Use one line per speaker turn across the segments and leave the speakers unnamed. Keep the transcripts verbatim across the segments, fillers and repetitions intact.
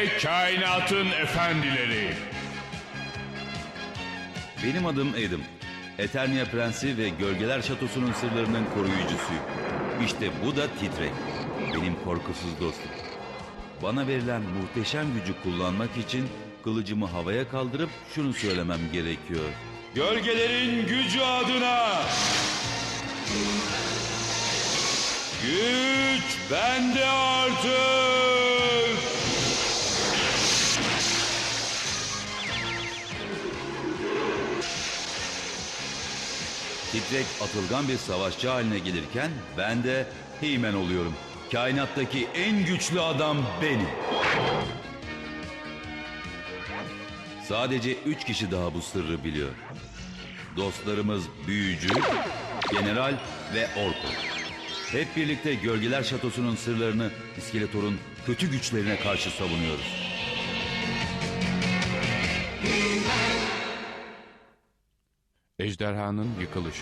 kainatın efendileri.
Benim adım Adam. Eternia Prensi ve Gölgeler Şatosu'nun sırlarının koruyucusuyum. İşte bu da Titrek. Benim korkusuz dostum. Bana verilen muhteşem gücü kullanmak için kılıcımı havaya kaldırıp şunu söylemem gerekiyor.
Gölgelerin gücü adına. Güç bende artık.
Titrek atılgan bir savaşçı haline gelirken ben de He-Man oluyorum. Kainattaki en güçlü adam benim. Sadece üç kişi daha bu sırrı biliyor. Dostlarımız Büyücü, General ve Orko. Hep birlikte Gölgeler Şatosu'nun sırlarını İskeletor'un kötü güçlerine karşı savunuyoruz.
Ejderhanın yıkılışı.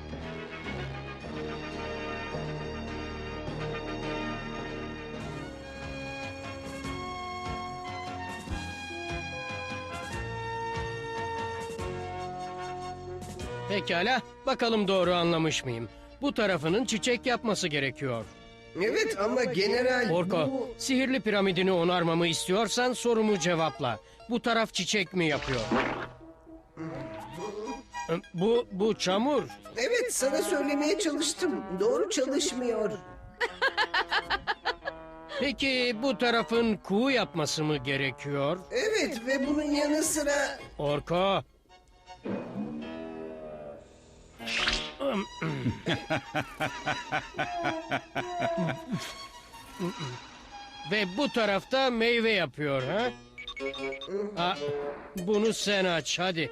Pekala, bakalım doğru anlamış mıyım? Bu tarafının çiçek yapması gerekiyor.
Evet ama general
Orko,
bu...
sihirli piramidini onarmamı istiyorsan sorumu cevapla. Bu taraf çiçek mi yapıyor? Bu, bu çamur.
Evet sana söylemeye çalıştım. Doğru çalışmıyor.
Peki bu tarafın kuğu yapması mı gerekiyor?
Evet ve bunun yanı sıra...
Orko. Ve bu tarafta meyve yapıyor ha? Ha, bunu sen aç hadi.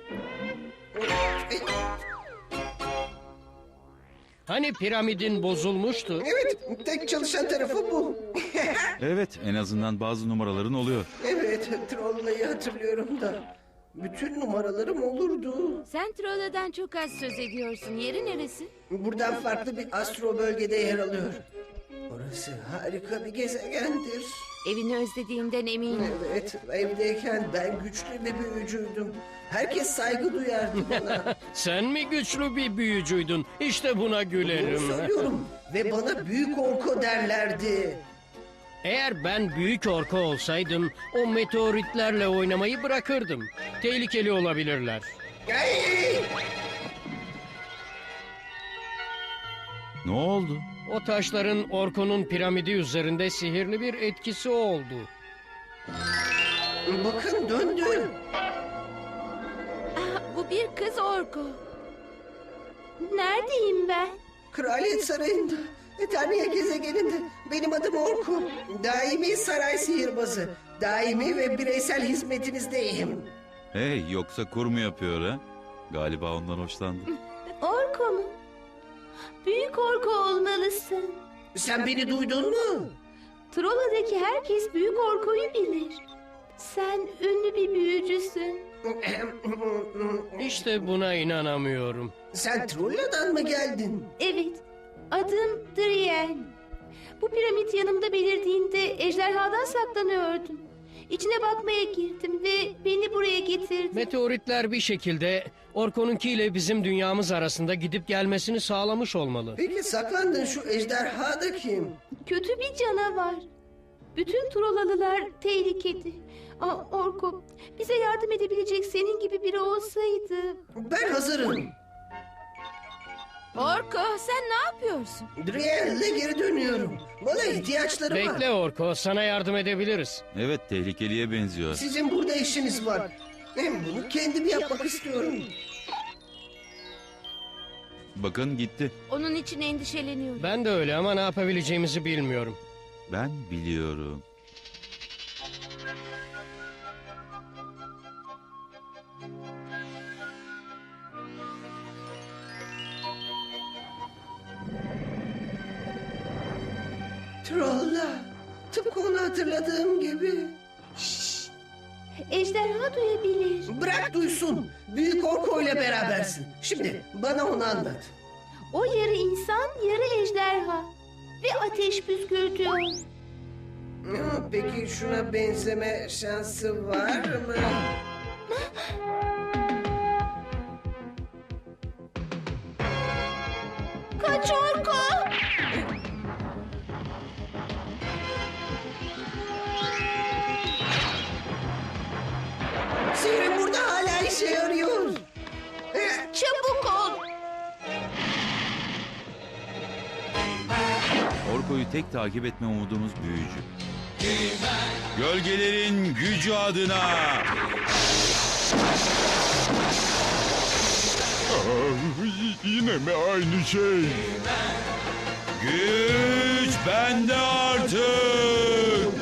Hani piramidin bozulmuştu?
Evet tek çalışan tarafı bu.
Evet, en azından bazı numaraların oluyor.
Evet Trolla'yı hatırlıyorum da. Bütün numaralarım olurdu.
Sen Trolla'dan çok az söz ediyorsun. Yeri neresi?
Buradan farklı bir astro bölgede yer alıyor. Orası harika bir gezegendir.
Evini özlediğinden eminim.
Evet evdeyken ben güçlü bir büyücüydüm. Herkes saygı duyardı bana.
Sen mi güçlü bir büyücüydün? İşte buna
Bunu
gülerim.
söylüyorum ve bana büyük orko derlerdi.
Eğer ben büyük orka olsaydım o meteoritlerle oynamayı bırakırdım. Tehlikeli olabilirler.
Ay!
Ne oldu?
O taşların Orko'nun piramidi üzerinde sihirli bir etkisi oldu.
Bakın döndü.
Ah, bu bir kız Orko. Neredeyim ben?
Kraliyet Sarayı'nda, Eternia gezegeninde. Benim adım Orko. Daimi saray sihirbazı. Daimi ve bireysel hizmetinizdeyim.
Hey, yoksa kur mu yapıyor ha? Galiba ondan hoşlandı.
Orko mu? Büyük Orko olmalısın.
Sen beni duydun mu?
Trolla'daki herkes Büyük Orko'yu bilir. Sen ünlü bir büyücüsün.
İşte buna inanamıyorum.
Sen Trolla'dan mı geldin?
Evet, adım Drien. Bu piramit yanımda belirdiğinde ejderhadan saklanıyordum. İçine bakmaya girdim ve beni buraya getirdi.
Meteoritler bir şekilde Orko'nunkiyle bizim dünyamız arasında gidip gelmesini sağlamış olmalı.
Peki saklandın şu ejderha da kim?
Kötü bir canavar. Bütün Trollalılar tehlikede. Aa, Orko, bize yardım edebilecek senin gibi biri olsaydı.
Ben hazırım.
Orko, sen ne yapıyorsun?
Driel'le geri dönüyorum. Bana ihtiyaçları var.
Bekle Orko, sana yardım edebiliriz.
Evet, tehlikeliye benziyor.
Sizin burada işiniz var. Ben bunu kendim yapmak istiyorum.
Bakın gitti.
Onun için endişeleniyorum.
Ben de öyle ama ne yapabileceğimizi bilmiyorum.
Ben biliyorum.
Trolla. Tıpkı onu hatırladığım gibi.
Ejderha duyabilir.
Bırak duysun. Büyük Orko ile berabersin. Şimdi bana onu anlat.
O yarı insan, yarı ejderha. Ve ateş püskürtüyor.
Ha, peki şuna benzeme şansı var mı?
Kaç Orko.
Sihrim burada hala işe yarıyor. Eh,
Çabuk ol.
Orko'yu tek takip etme umudumuz büyücü. Gölgelerin gücü adına.
Yine mi aynı şey?
Güç bende artık.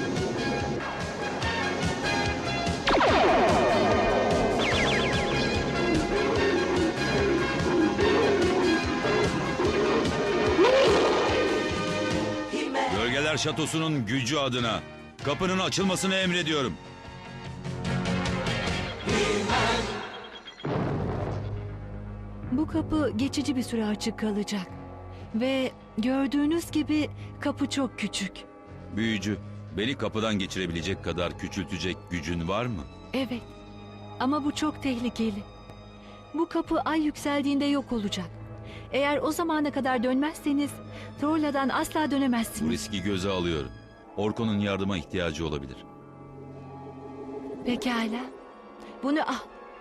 Gölgeler Şatosu'nun gücü adına kapının açılmasını emrediyorum.
Bu kapı geçici bir süre açık kalacak. Ve gördüğünüz gibi kapı çok küçük.
Büyücü, beni kapıdan geçirebilecek kadar küçültecek gücün var mı?
Evet. Ama bu çok tehlikeli. Bu kapı ay yükseldiğinde yok olacak. Eğer o zamana kadar dönmezseniz Trolla'dan asla
Bu
dönemezsiniz.
riski göze alıyorum. Orko'nun yardıma ihtiyacı olabilir.
Pekala. Bunu al.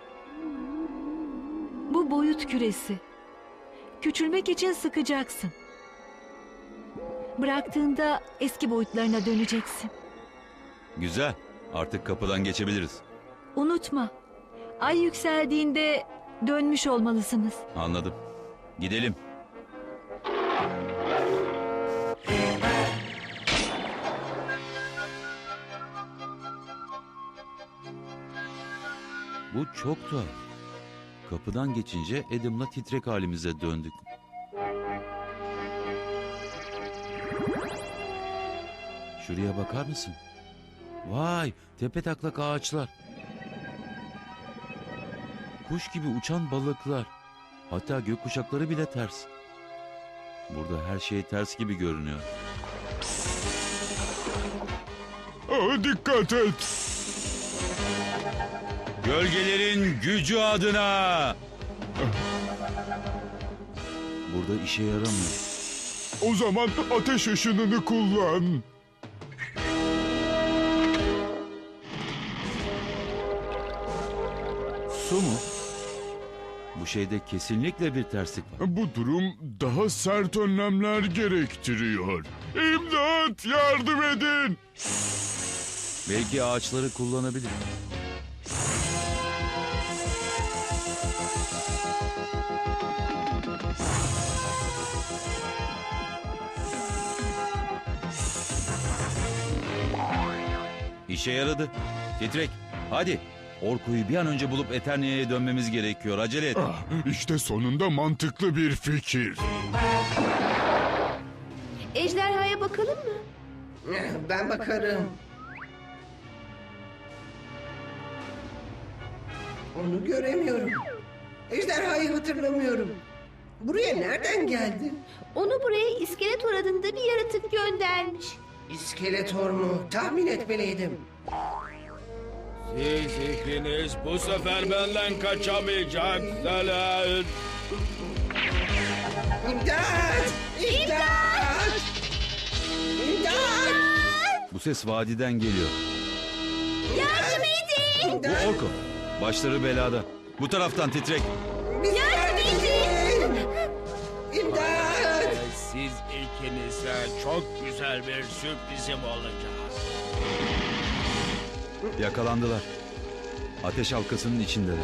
Bu boyut küresi. Küçülmek için sıkacaksın. Bıraktığında eski boyutlarına döneceksin.
Güzel, artık kapıdan geçebiliriz.
Unutma. Ay yükseldiğinde dönmüş olmalısınız.
Anladım. Gidelim. Bu çok tuhaf. Kapıdan geçince Adam'la titrek halimize döndük. Şuraya bakar mısın? Vay, tepetaklak ağaçlar. Kuş gibi uçan balıklar. Hatta gökkuşakları bile ters. Burada her şey ters gibi görünüyor.
Aa, dikkat et.
Gölgelerin gücü adına. Burada işe yaramıyor.
O zaman ateş ışınını kullan.
Su mu? Bu şeyde kesinlikle bir terslik var.
Bu durum daha sert önlemler gerektiriyor. İmdat, yardım edin.
Belki ağaçları kullanabilir. İşe yaradı. Titrek, hadi. Orko'yu bir an önce bulup Eternia'ya dönmemiz gerekiyor. Acele et.
Ah, işte sonunda mantıklı bir fikir.
Ejderhaya bakalım mı?
eh, Ben bakarım. Onu göremiyorum. Ejderhayı hatırlamıyorum. Buraya nereden geldi?
Onu buraya İskeletor adında bir yaratık göndermiş.
İskeletor mu? Tahmin etmeliydim.
Siz ikiniz bu sefer benden kaçamayacaksınız.
İmdat! İmdat! İmdat!
Bu ses vadiden geliyor.
Yardım edin!
Bu
İmdat!
Orko. Başları belada. Bu taraftan Titrek.
Bize yardım edin! İmdat!
Siz ikinize çok güzel bir sürprizim olacak.
Yakalandılar. Ateş halkasının içindeler.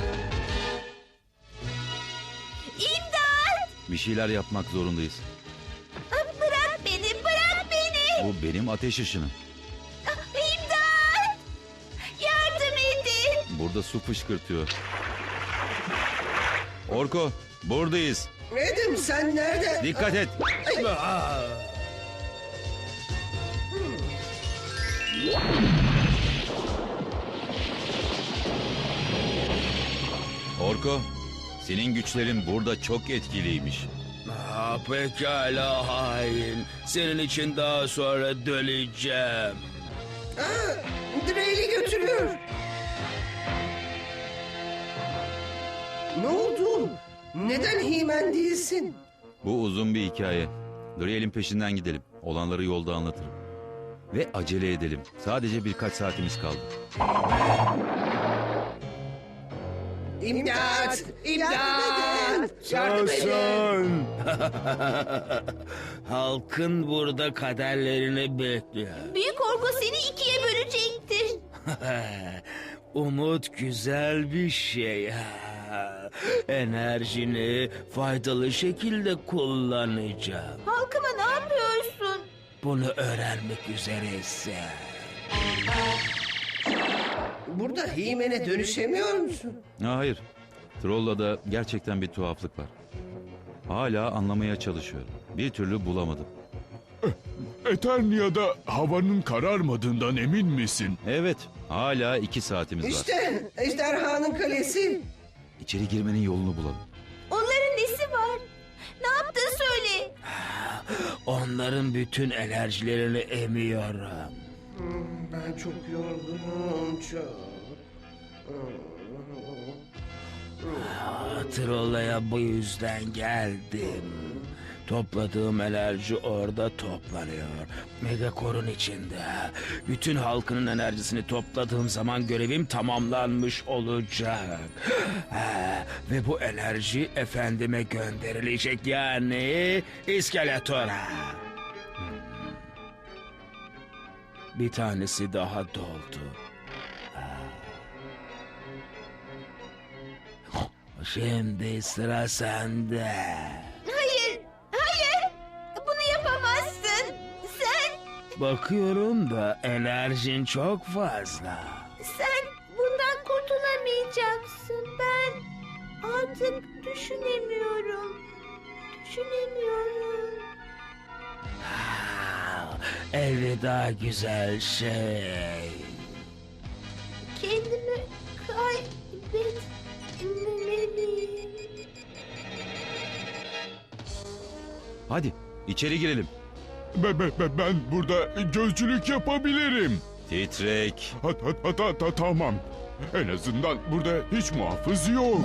İmdat!
Bir şeyler yapmak zorundayız.
Bırak beni, bırak beni!
Bu benim ateş ışınım.
İmdat! Yardım edin!
Burada su fışkırtıyor. Orko, buradayız.
Adam sen nerede?
Dikkat et. Orko, senin güçlerin burada çok etkiliymiş.
Ah pekala hain. Senin için daha sonra döneceğim.
Aa, Dreyli götürüyor. Ne oldu? Neden Himen değilsin?
Bu uzun bir hikaye. Driel'in peşinden gidelim. Olanları yolda anlatırım. Ve acele edelim. Sadece birkaç saatimiz kaldı.
İmdat! İmdat! Yardım edin!
Halkın burada kaderlerini bekliyor.
Büyük orko seni ikiye bölecektir.
Umut güzel bir şey. Enerjini faydalı şekilde kullanacağım.
Halkıma ne yapıyorsun?
Bunu öğrenmek üzereyse.
Burada Himen'e dönüşemiyor musun?
Ha, hayır. Trolla'da gerçekten bir tuhaflık var. Hala anlamaya çalışıyorum. Bir türlü bulamadım.
Eternia'da havanın kararmadığından emin misin?
Evet, hala iki saatimiz var.
İşte ejderhanın kalesi.
İçeri girmenin yolunu bulalım.
Onların nesi var? Ne yaptın söyle.
Onların bütün enerjilerini emiyorum.
Ben çok yorgunum çok.
Trolla'ya bu yüzden geldim. Topladığım enerji orada toplanıyor. Megakor'un içinde. Bütün halkının enerjisini topladığım zaman görevim tamamlanmış olacak. Ha, ve bu enerji efendime gönderilecek, yani İskeletor'a. Hmm. Bir tanesi daha doldu. Şimdi sıra sende.
Hayır, hayır. Bunu yapamazsın. Sen,
Bakıyorum da enerjin çok fazla.
sen bundan kurtulamayacaksın. Ben artık düşünemiyorum. Düşünemiyorum.
Ah, elveda güzel şey.
Kendimi kaybetmemeliyim.
Hadi, içeri girelim.
Be, be, be- ben burada gözcülük yapabilirim.
Titrek.
Ha, ha, ha, ta- ta- tamam. En azından burada hiç muhafız yok.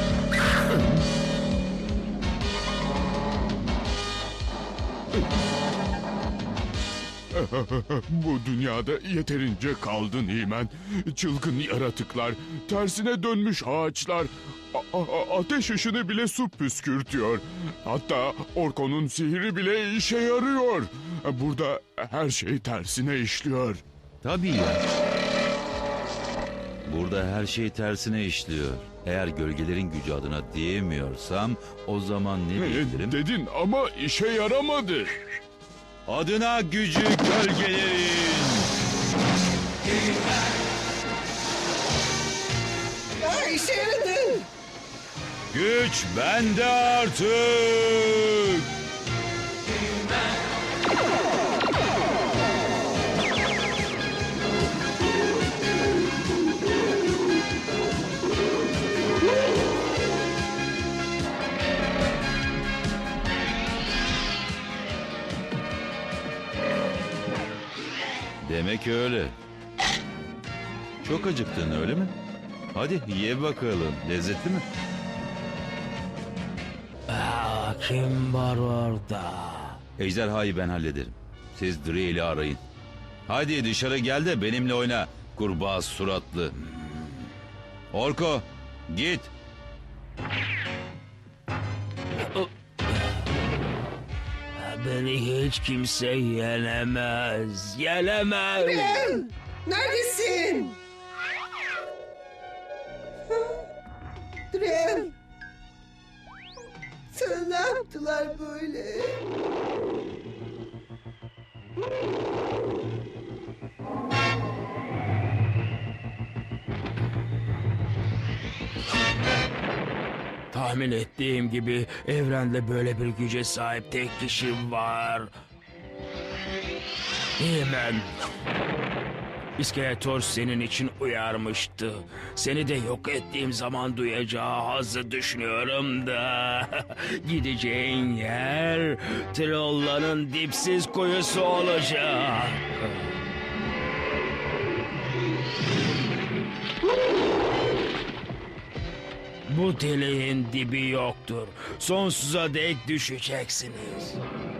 Bu dünyada yeterince kaldın Himen. Çılgın yaratıklar, tersine dönmüş ağaçlar, a- a- ateş ışını bile su püskürtüyor. Hatta Orko'nun sihri bile işe yarıyor. Burada her şey tersine işliyor.
Tabii ya. Burada her şey tersine işliyor. Eğer gölgelerin gücü adına diyemiyorsam o zaman ne
E,
diyebilirim?
Dedin ama işe yaramadı.
Adına gücü gölgelerin.
Aa, işe yaradı.
Güç bende artık. Demek öyle. Çok acıktın öyle mi? Hadi ye bakalım. Lezzetli mi?
Aa, kim var orada?
Ejderhayı ben hallederim. Siz Driel'i arayın. Hadi dışarı gel de benimle oyna. Kurbağa suratlı. Orko git.
Beni hiç kimse yenemez. Yenemez.
Dreyl, neredesin? Dreyl. Sana ne yaptılar böyle?
Tahmin ettiğim gibi evrende böyle bir güce sahip tek kişi var. Hemen. İskeletor senin için uyarmıştı. Seni de yok ettiğim zaman duyacağı hazzı düşünüyorum da. Gideceğin yer Trolla'nın dipsiz kuyusu olacak. Bu deliğin dibi yoktur. Sonsuza dek düşeceksiniz.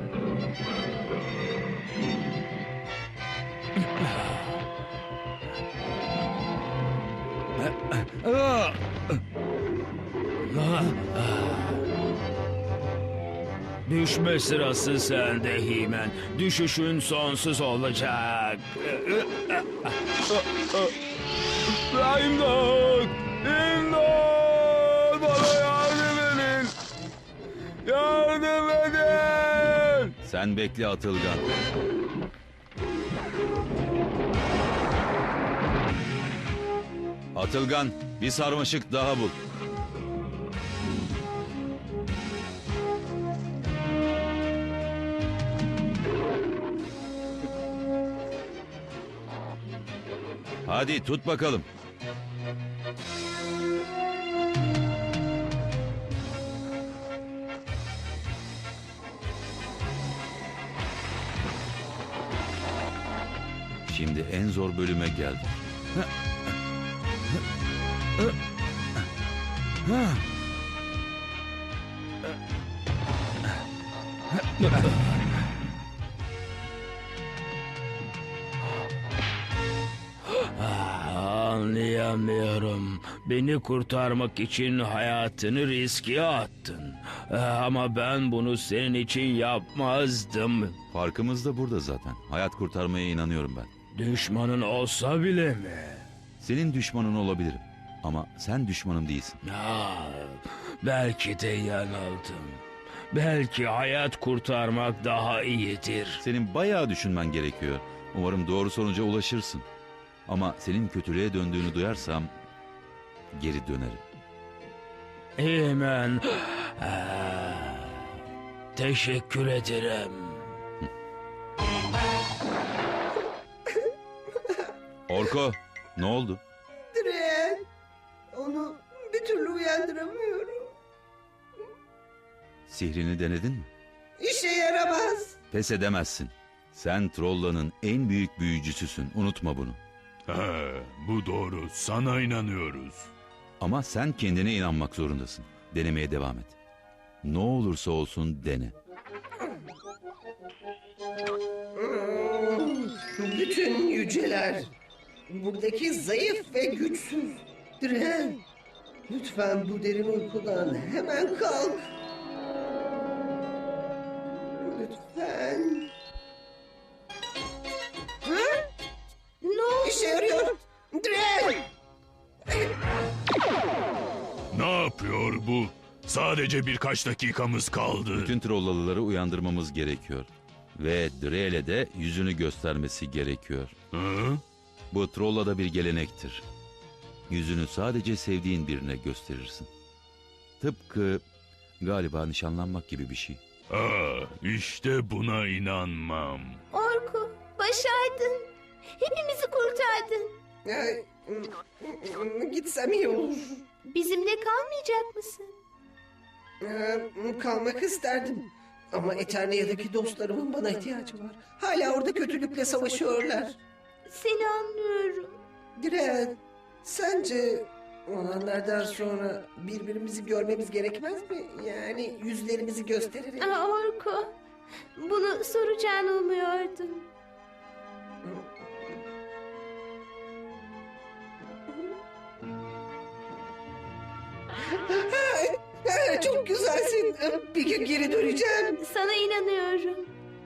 Düşme sırası sende Himen. Düşüşün sonsuz olacak. İmdat! İmdat! Bana yardım edin! Yardım edin!
Sen bekle Atılgan. Atılgan, bir sarmaşık daha bul. Hadi tut bakalım. Şimdi en zor bölüme geldik.
Anlayamıyorum. Beni kurtarmak için hayatını riske attın. Ah, Ama ben bunu senin için yapmazdım.
Farkımız da burada zaten. Hayat kurtarmaya inanıyorum ben.
Düşmanın olsa bile mi?
Senin düşmanın olabilirim. Ama sen düşmanım değilsin.
Ah, belki de yanıldım. Belki hayat kurtarmak daha iyidir.
Senin bayağı düşünmen gerekiyor. Umarım doğru sonuca ulaşırsın. Ama senin kötülüğe döndüğünü duyarsam geri dönerim.
Hemen. Ah, teşekkür ederim.
Orko, ne oldu?
Dren, onu bir türlü uyandıramıyorum.
Sihrini denedin mi?
İşe yaramaz.
Pes edemezsin. Sen Trolla'nın en büyük büyücüsüsün. Unutma bunu.
He, bu doğru. Sana inanıyoruz.
Ama sen kendine inanmak zorundasın. Denemeye devam et. Ne olursa olsun dene.
Bütün yüceler. Buradaki zayıf ve güçsüz. Dren, lütfen bu derin uykudan hemen kalk. Lütfen. Hı?
Ne oldu?
İşe yarıyor. Dren!
Ne yapıyor bu? Sadece birkaç dakikamız kaldı.
Bütün Trollalıları uyandırmamız gerekiyor. Ve Drel'e de yüzünü göstermesi gerekiyor.
Hı?
Bu Trolla'da bir gelenektir. Yüzünü sadece sevdiğin birine gösterirsin. Tıpkı galiba nişanlanmak gibi bir şey.
Aa, işte buna inanmam.
Orku, başardın. Hepimizi kurtardın.
Ay, gitsem iyi olur.
Bizimle kalmayacak mısın?
Ee, Kalmak isterdim. Ama Eternia'daki dostlarımın bana ihtiyacı var. Hala orada kötülükle savaşıyorlar.
Seni anlıyorum.
Dren, sence olanlardan sonra birbirimizi görmemiz gerekmez mi? Yani yüzlerimizi göstererek.
Aa, Orku, bunu soracağını umuyordum.
Ha, çok güzelsin. Bir gün geri döneceğim.
Sana inanıyorum.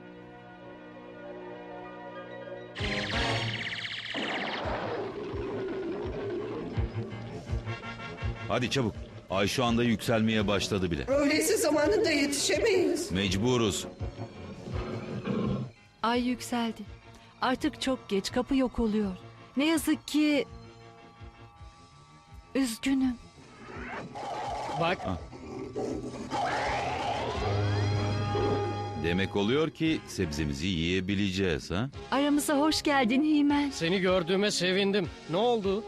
Hadi çabuk. Ay şu anda yükselmeye başladı bile.
Öyleyse zamanında yetişemeyiz.
Mecburuz.
Ay yükseldi. Artık çok geç, kapı yok oluyor. Ne yazık ki... Üzgünüm.
Bak,
Demek oluyor ki sebzemizi yiyebileceğiz ha?
Aramıza hoş geldin Himen.
Seni gördüğüme sevindim. Ne oldu?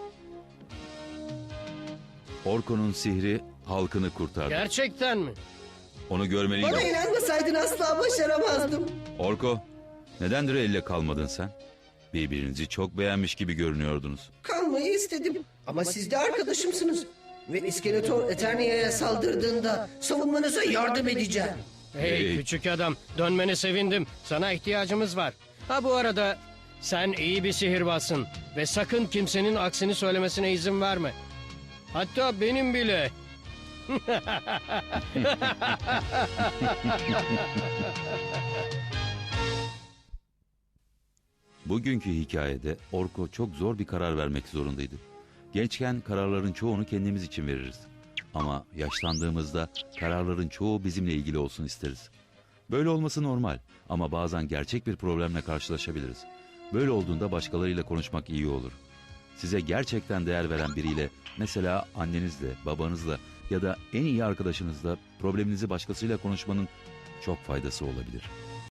Orko'nun sihri halkını kurtardı.
Gerçekten mi?
Onu
Bana
görmeliydim.
inanmasaydın asla başaramazdım.
Orko, neden elle kalmadın sen? Birbirinizi çok beğenmiş gibi görünüyordunuz.
Kalmayı istedim. Ama siz de arkadaşımsınız. Ve İskeletor Eternia'ya saldırdığında savunmanıza yardım edeceğim.
Hey,
Hey.
küçük adam, dönmene sevindim. Sana ihtiyacımız var. Ha bu arada sen iyi bir sihirbazsın ve sakın kimsenin aksini söylemesine izin verme. Hatta benim bile.
Bugünkü hikayede Orko çok zor bir karar vermek zorundaydı. Gençken kararların çoğunu kendimiz için veririz. Ama yaşlandığımızda kararların çoğu bizimle ilgili olsun isteriz. Böyle olması normal ama bazen gerçek bir problemle karşılaşabiliriz. Böyle olduğunda başkalarıyla konuşmak iyi olur. Size gerçekten değer veren biriyle, mesela annenizle, babanızla ya da en iyi arkadaşınızla probleminizi başkasıyla konuşmanın çok faydası olabilir.